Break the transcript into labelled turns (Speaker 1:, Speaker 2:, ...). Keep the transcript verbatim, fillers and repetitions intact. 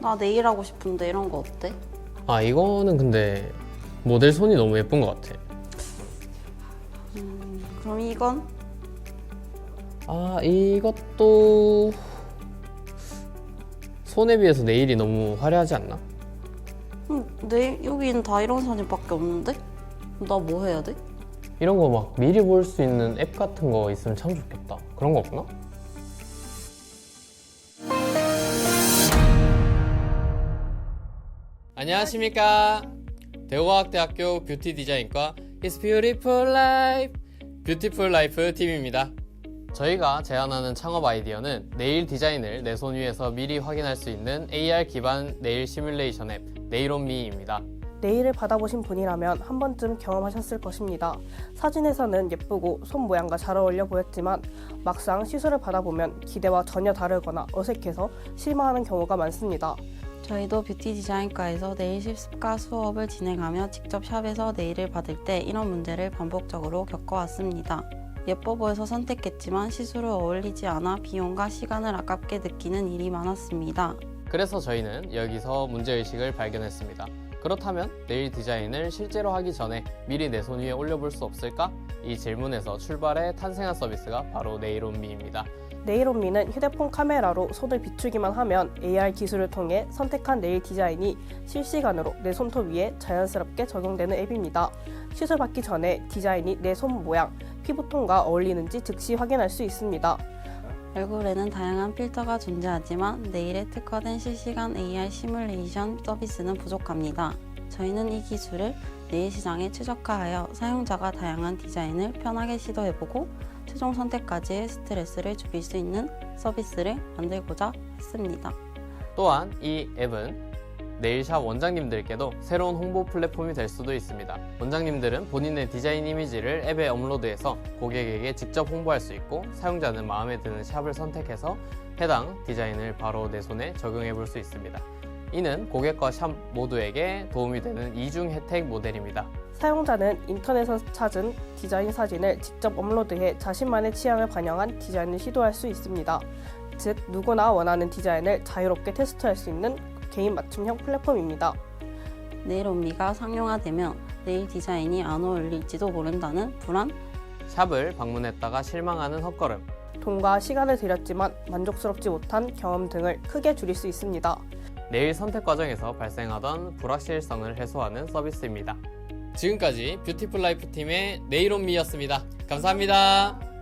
Speaker 1: 나 네일 하고 싶은데 이런 거 어때?
Speaker 2: 아, 이거는 근데 모델 손이 너무 예쁜 것 같아.
Speaker 1: 음, 그럼 이건?
Speaker 2: 아, 이것도 손에 비해서 네일이 너무 화려하지 않나?
Speaker 1: 음, 네일 여기는 다 이런 사진밖에 없는데? 나 뭐 해야 돼?
Speaker 2: 이런 거 막 미리 볼 수 있는 앱 같은 거 있으면 참 좋겠다. 그런 거 없나? 안녕하십니까. 대우과학대학교 뷰티 디자인과 It's Beautiful Life 뷰티풀 라이프 팀입니다. 저희가 제안하는 창업 아이디어는 네일 디자인을 내 손 위에서 미리 확인할 수 있는 에이알 기반 네일 시뮬레이션 앱 네일온미입니다.
Speaker 3: 네일을 받아보신 분이라면 한 번쯤 경험하셨을 것입니다. 사진에서는 예쁘고 손 모양과 잘 어울려 보였지만 막상 시술을 받아보면 기대와 전혀 다르거나 어색해서 실망하는 경우가 많습니다.
Speaker 1: 저희도 뷰티 디자인과에서 네일 실습과 수업을 진행하며 직접 샵에서 네일을 받을 때 이런 문제를 반복적으로 겪어왔습니다. 예뻐 보여서 선택했지만 시술로 어울리지 않아 비용과 시간을 아깝게 느끼는 일이 많았습니다.
Speaker 2: 그래서 저희는 여기서 문제의식을 발견했습니다. 그렇다면 네일 디자인을 실제로 하기 전에 미리 내 손 위에 올려볼 수 없을까? 이 질문에서 출발해 탄생한 서비스가 바로 네일온미입니다.
Speaker 3: 네일온미는 휴대폰 카메라로 손을 비추기만 하면 에이알 기술을 통해 선택한 네일 디자인이 실시간으로 내 손톱 위에 자연스럽게 적용되는 앱입니다. 시술 받기 전에 디자인이 내 손 모양, 피부톤과 어울리는지 즉시 확인할 수 있습니다.
Speaker 1: 얼굴에는 다양한 필터가 존재하지만 네일에 특화된 실시간 에이알 시뮬레이션 서비스는 부족합니다. 저희는 이 기술을 네일 시장에 최적화하여 사용자가 다양한 디자인을 편하게 시도해보고 최종 선택까지의 스트레스를 줄일 수 있는 서비스를 만들고자 했습니다.
Speaker 2: 또한 이 앱은 네일샵 원장님들께도 새로운 홍보 플랫폼이 될 수도 있습니다. 원장님들은 본인의 디자인 이미지를 앱에 업로드해서 고객에게 직접 홍보할 수 있고, 사용자는 마음에 드는 샵을 선택해서 해당 디자인을 바로 내 손에 적용해 볼 수 있습니다. 이는 고객과 샵 모두에게 도움이 되는 이중 혜택 모델입니다.
Speaker 3: 사용자는 인터넷에서 찾은 디자인 사진을 직접 업로드해 자신만의 취향을 반영한 디자인을 시도할 수 있습니다. 즉, 누구나 원하는 디자인을 자유롭게 테스트할 수 있는 개인 맞춤형 플랫폼입니다.
Speaker 1: 네일온미가 상용화되면 네일 디자인이 안 어울릴지도 모른다는 불안?
Speaker 2: 샵을 방문했다가 실망하는 헛걸음,
Speaker 3: 돈과 시간을 들였지만 만족스럽지 못한 경험 등을 크게 줄일 수 있습니다.
Speaker 2: 네일 선택 과정에서 발생하던 불확실성을 해소하는 서비스입니다. 지금까지 뷰티풀 라이프 팀의 네일온미였습니다. 감사합니다.